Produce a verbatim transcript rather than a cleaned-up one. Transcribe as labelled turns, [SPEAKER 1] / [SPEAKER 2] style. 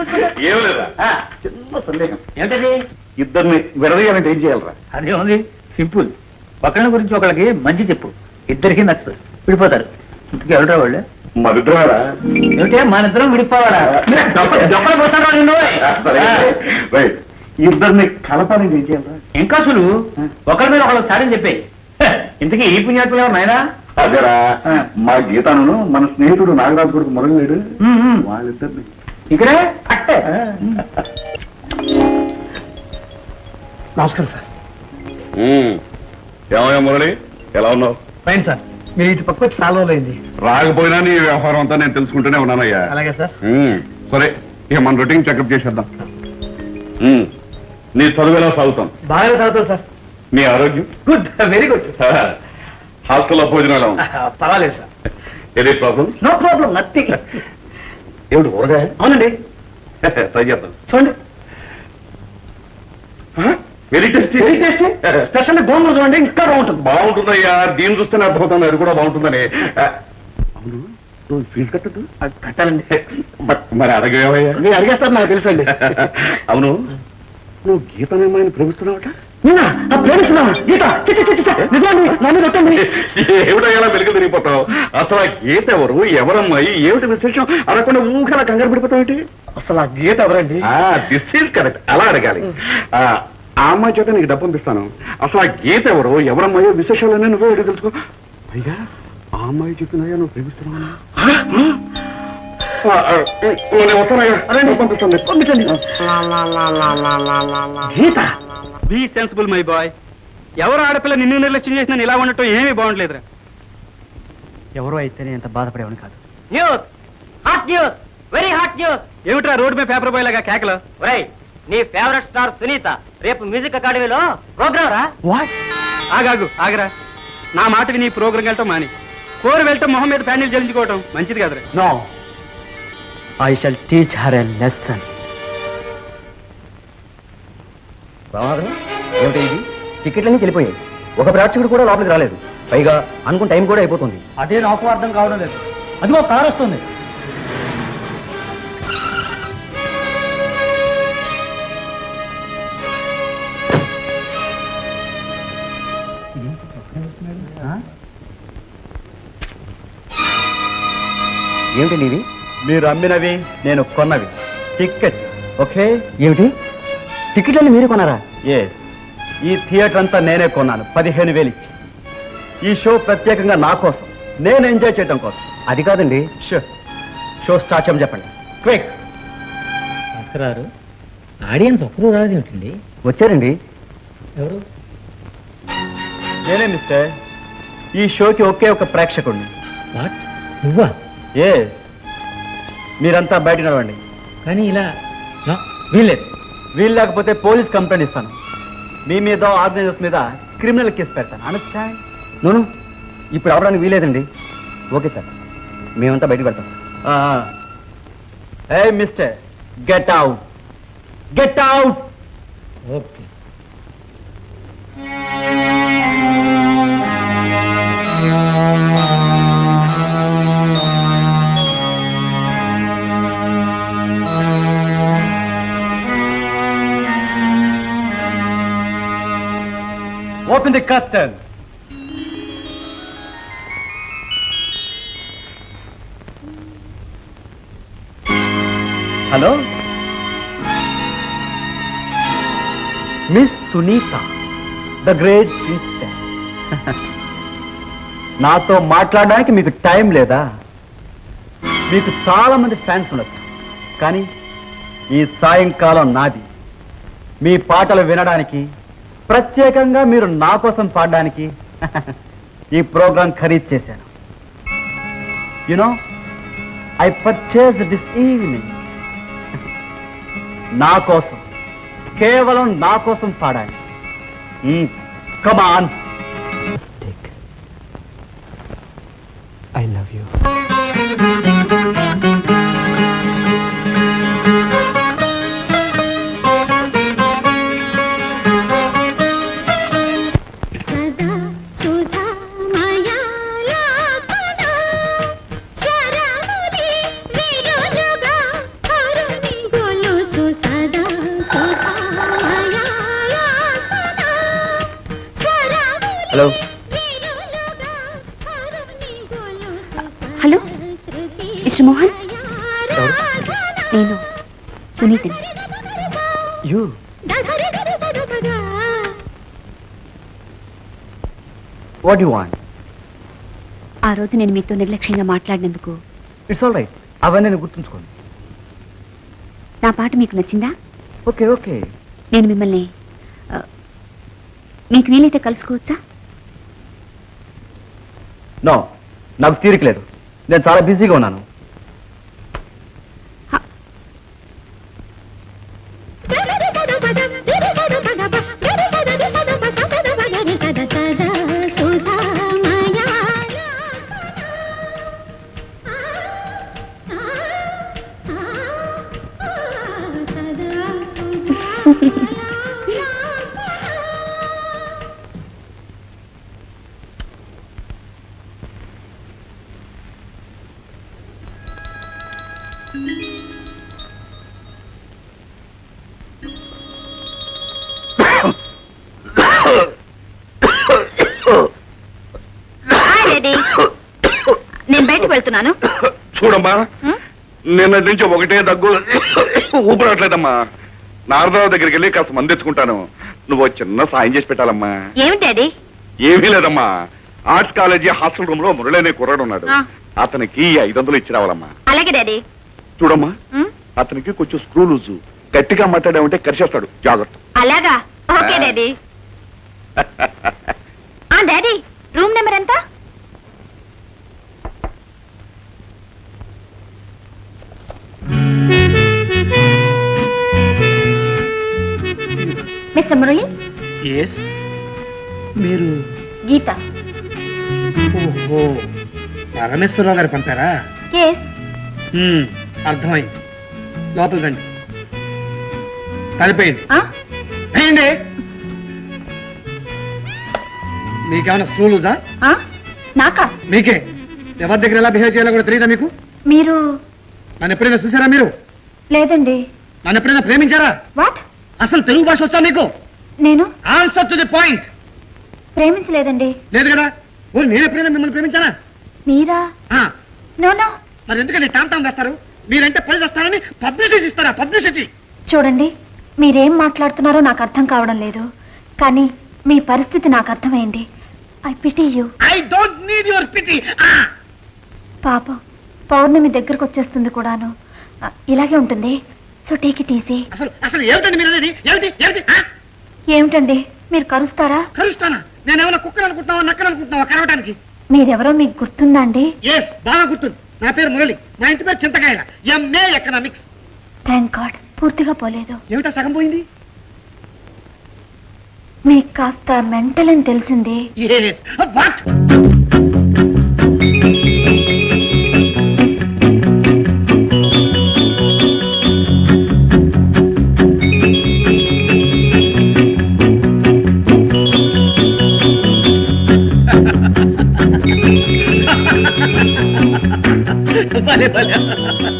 [SPEAKER 1] ఏం లేదా చిన్న సందేహం ఏంటది? ఇద్దరిని విడదీయాలంటే ఏం చేయాలరా?
[SPEAKER 2] అదే ఉంది, సింపుల్. ఒకళ్ళ గురించి ఒకళ్ళకి మంచి చెప్పు, ఇద్దరికి నచ్చదు, విడిపోతారు. ఇంతకీ ఎవడరా వాళ్ళు?
[SPEAKER 1] మరిద్దరా?
[SPEAKER 2] ఏమిటే మన ఇద్దరం విడిపోవాలా?
[SPEAKER 1] ఇద్దరిని కలపాలని ఏం చేయాలరా?
[SPEAKER 2] ఇంకా సులువు, ఒకరి మీద ఒకళ్ళు సాడని చెప్పే. ఇంతకీ ఈ పుణ్యాత్ములు ఎవరు నాయనా?
[SPEAKER 1] అదేరా, మా గీతాను మన స్నేహితుడు నాగరాజు కొడుకు మురళి వాళ్ళిద్దరిని
[SPEAKER 2] ఇక్కడే అట్టే.
[SPEAKER 3] నమస్కారం సార్.
[SPEAKER 1] ఏమయ్యా మురళి, ఎలా ఉన్నావు?
[SPEAKER 3] Fine sir. మీరు ఇటు పక్క వచ్చి చాలా రోజులైంది.
[SPEAKER 1] రాకపోయినా నీ వ్యవహారం అంతా నేను తెలుసుకుంటూనే ఉన్నానయ్యా.
[SPEAKER 3] అలాగే సార్.
[SPEAKER 1] సరే, ఇక మన రొటీన్ చెకప్ చేసేద్దాం. నీ చదువు ఎలా సాగుతాం?
[SPEAKER 3] బాగా చదువుతాం సార్.
[SPEAKER 1] నీ ఆరోగ్యం?
[SPEAKER 3] Good, very good.
[SPEAKER 1] హాస్టల్లో భోజనాలు
[SPEAKER 3] పర్వాలేదు sir.
[SPEAKER 1] Any problem?
[SPEAKER 3] No problem, nothing.
[SPEAKER 1] ఏమిటి ఊరగాయ?
[SPEAKER 3] అవునండి,
[SPEAKER 1] ట్రై చేద్దాం.
[SPEAKER 3] చూడండి.
[SPEAKER 1] Very tasty,
[SPEAKER 3] very tasty. Special గోంగూర చూడండి, ఇంకా బాగుంటుంది.
[SPEAKER 1] బాగుంటుందయ్యా, దీన్ని చూస్తేనే అర్థమవుతుంది అది కూడా బాగుంటుందని. అవును, నువ్వు ఫీజు కట్టద్దు?
[SPEAKER 3] కట్టాలండి.
[SPEAKER 1] మరి అడగేవయ్యా?
[SPEAKER 3] మీరు అడిగేస్తారు, నాకు తెలుసండి.
[SPEAKER 1] అవును, నువ్వు గీతనేమైనా ప్రేమిస్తున్నావట? ఏమిటయ్యా వెలుగు తిరిగిపోతావు? అసలు ఆ గీత ఎవరు, ఎవరమ్మాయి, ఏమిటి విశేషం అనకుండా ఊహలా కంగారు పడిపోతావు ఏంటి?
[SPEAKER 3] అసలు ఆ గీత ఎవరండి?
[SPEAKER 1] దిస్ ఈజ్ కరెక్ట్, అలా అడగాలి. ఆ అమ్మాయి చేత నీకు డబ్బు పంపిస్తాను. అసలు ఆ గీత ఎవరు, ఎవరమ్మాయో విశేషాలన్నీ నువ్వే అడిగి తెలుసుకో. పైగా ఆ అమ్మాయి చెప్తున్నాయా నువ్వు ప్రేమిస్తున్నావు? వస్తానయ్యా, పంపిస్తాను. పంపించండి.
[SPEAKER 3] Geetha,
[SPEAKER 2] be sensible my boy. ఎవరు ఆడపిల్ల నిన్ను నిర్లక్ష్యం చేసిన ఇలా ఉండటం ఏమీ బాగుండలేదురా.
[SPEAKER 3] ఎవరో అయితేనే ఎంత బాధపడేవాడిని కాదు.
[SPEAKER 2] News, hot news, very hot news. ఏమిట్రా రోడ్ మీద పేపర్ బాయ్ లాగా కేకలు? ఒరేయ్, నీ ఫేవరెట్ స్టార్ సునీత రేపు మ్యూజిక్ అకాడమీలో ప్రోగ్రామ్ రా.
[SPEAKER 3] వాట్?
[SPEAKER 2] ఆగాగు ఆగరా, నా మాట విని ప్రోగ్రామ్ వెళ్ళటం మాని కోరి వెళ్ళటం మొహం మీద ప్యాండిల్ జల్లించుకోవటం మంచిది కదరా.
[SPEAKER 3] No, I shall teach her a lesson.
[SPEAKER 4] ఏమిటి ఇది? టికెట్లన్నీ వెళ్ళిపోయాయి, ఒక ప్రేక్షకుడు కూడా లోపలికి రాలేదు. పైగా అనుకున్న టైం కూడా అయిపోతుంది.
[SPEAKER 3] అదే నాకు అర్థం కావడం లేదు. అదిగో కారు వస్తుంది.
[SPEAKER 4] ఏమిటి నీవి?
[SPEAKER 3] మీరు అమ్మినవి, నేను కొన్నవి. Ticket okay?
[SPEAKER 4] ఏమిటి, టికెట్లన్నీ మీరు కొన్నారా?
[SPEAKER 3] ఏ, ఈ థియేటర్ అంతా నేనే కొన్నాను, పదిహేను వేలు ఇచ్చి. ఈ షో ప్రత్యేకంగా నా కోసం, నేను ఎంజాయ్ చేయడం కోసం.
[SPEAKER 4] అది కాదండి.
[SPEAKER 3] షో షో స్టార్ట్ చేయమని చెప్పండి, క్విక్.
[SPEAKER 2] భాస్కరారు, ఆడియన్స్ ఒక్కరు రాదు ఏమిటండి?
[SPEAKER 4] వచ్చారండి.
[SPEAKER 2] ఎవరు?
[SPEAKER 3] నేనే మిస్టర్. ఈ షోకి ఒకే ఒక ప్రేక్షకుడిని.
[SPEAKER 2] వాట్, నువ్వా?
[SPEAKER 3] ఏ, మీరంతా బయట నడవండి.
[SPEAKER 2] కానీ ఇలా వీల్లేదు.
[SPEAKER 3] వీలు లేకపోతే పోలీస్ కంప్లైంట్ ఇస్తాను. మీ మీద, ఆర్గనైజర్స్ మీద క్రిమినల్ కేసు పెడతాను. అండర్స్టాండ్?
[SPEAKER 4] నోను, ఇప్పుడు అవడానికి వీలేదండి. ఓకే సార్, మేమంతా బయటకు పెడతాం.
[SPEAKER 3] ఏ mister, get out, get out.
[SPEAKER 2] Okay.
[SPEAKER 3] Open the curtain. Hello? Miss Sunita, the great princess. నాతో మాట్లాడడానికి మీకు టైం లేదా? మీకు చాలా మంది ఫ్యాన్స్ ఉండొచ్చు, కానీ ఈ సాయంకాలం నాది. మీ పాటలు వినడానికి, ప్రత్యేకంగా మీరు నా కోసం పాడడానికి ఈ ప్రోగ్రాం ఖరీదు చేశాను. You know, I purchase this evening. నా కోసం, కేవలం నా కోసం పాడాలి. Come on.
[SPEAKER 4] I love you.
[SPEAKER 5] స్వరములి విరులుగా కరుణి గొల మిస్టర్ మోహన్ నేను సునీతని
[SPEAKER 3] యూ వాట్ యు వాంట్?
[SPEAKER 5] ఆ రోజు నేను మీతో నిర్లక్ష్యంగా మాట్లాడినందుకు
[SPEAKER 3] ఇట్స్ ఆల్ రైట్, అవన్నీ నేను గుర్తుంచుకోండి.
[SPEAKER 5] నా పాట మీకు నచ్చిందా?
[SPEAKER 3] Okay okay.
[SPEAKER 5] నేను మిమ్మల్ని ఆ, మీకు వీలైతే కలుసుకోవచ్చా?
[SPEAKER 3] నో, నాకు తీరిక లేదు, నేను చాలా బిజీగా ఉన్నాను.
[SPEAKER 5] నేను బయటకు వెళ్తున్నాను.
[SPEAKER 1] చూడమ్మా, నిన్నటి నుంచి ఒకటే దగ్గు, ఊపిరాట్లేదమ్మా. నారదరావు దగ్గరికి వెళ్ళి కాస్త మంది తెచ్చుకుంటాను. నువ్వు చిన్న సాయం చేసి పెట్టాలమ్మా.
[SPEAKER 5] ఏమిటి డాడీ?
[SPEAKER 1] ఏమీ లేదమ్మా, ఆర్ట్స్ కాలేజీ హాస్టల్ రూమ్ లో మురళి కుర్రాడు ఉన్నాడు,
[SPEAKER 5] ఆ.
[SPEAKER 1] అతనికి ఐదు వందలు ఇచ్చి రావాలమ్మా.
[SPEAKER 5] అలాగే డాడీ.
[SPEAKER 1] చూడమ్మా,
[SPEAKER 5] ఉమ్,
[SPEAKER 1] అతనికి కొంచెం స్క్రూ లూజు, గట్టిగా మాట్లాడామంటే కరిచేస్తాడు, జాగ్రత్త.
[SPEAKER 5] అలాగా? Okay daddy. ఆ డాడీ, రూమ్ నెంబర్ ఎంత? మిస్టర్ మురళి,
[SPEAKER 6] మీరు
[SPEAKER 5] గీత.
[SPEAKER 6] ఓహో, పరమేశ్వరరావు గారు పంపారా?
[SPEAKER 5] ఎస్.
[SPEAKER 6] హ్మ్, అర్థమైంది. లోపలికి రండి. తలిపోయింది అయింది. మీకేమైనా స్కూలుజా?
[SPEAKER 5] నాకా?
[SPEAKER 6] మీకే. ఎవరి దగ్గర ఎలా బిహేవ్ చేయాలో కూడా తెలియదా మీకు?
[SPEAKER 5] మీరు?
[SPEAKER 6] నన్ను ఎప్పుడైనా చూసారా మీరు?
[SPEAKER 5] లేదండి.
[SPEAKER 6] నన్ను ఎప్పుడైనా ప్రేమించారా?
[SPEAKER 5] వాట్?
[SPEAKER 6] అసలు తెలుగు భాష వచ్చా మీకు?
[SPEAKER 5] నేను
[SPEAKER 6] ఆన్సర్ టు ది పాయింట్.
[SPEAKER 5] ప్రేమించలేదండి.
[SPEAKER 6] లేదు కదా? ఓ, నేను ఎప్పుడైనా మిమ్మల్ని ప్రేమించానా?
[SPEAKER 5] మీరా?
[SPEAKER 6] ఆ,
[SPEAKER 5] నో నో.
[SPEAKER 6] మరి ఎందుకంటే టామ్ టామ్ వేస్తారు? మీరంటే పని చేస్తారని పబ్లిసిటీ ఇస్తారా? పబ్లిసిటీ.
[SPEAKER 5] చూడండి, మీరేం మాట్లాడుతున్నారో నాకు అర్థం కావడం లేదు, కానీ మీ పరిస్థితి నాకు అర్థమైంది. I pity you.
[SPEAKER 6] I don't need your pity.
[SPEAKER 5] పాపం, పౌర్ణమి దగ్గరకు వచ్చేస్తుంది కూడాను. ఆ, ఇలాగే ఉంటుంది. So take it easy.
[SPEAKER 6] అసలు అసలు ఏమిటండి మీరు అనేది? ఏమిటి ఏమిటి? ఆ?
[SPEAKER 5] ఏమిటండి, మీరు కరుస్తారా?
[SPEAKER 6] కరుస్తానా? నేనేమన్నా కుక్కలు అనుకుంటున్నావా, నక్కలు అనుకుంటున్నావా కరవటానికి?
[SPEAKER 5] మీరెవరో మీకు గుర్తుందా అండి?
[SPEAKER 6] ఎస్, బాగా గుర్తుంది. నా పేరు మురళి, మా ఇంటి పేరు Chinthakayala, MA economics.
[SPEAKER 5] Thank God, పూర్తిగా పోలేదు.
[SPEAKER 6] ఏమిటా సగం పోయింది?
[SPEAKER 5] మీకు కాస్త మెంటల్ అని తెలిసింది.
[SPEAKER 6] Yes. What? భలే భలే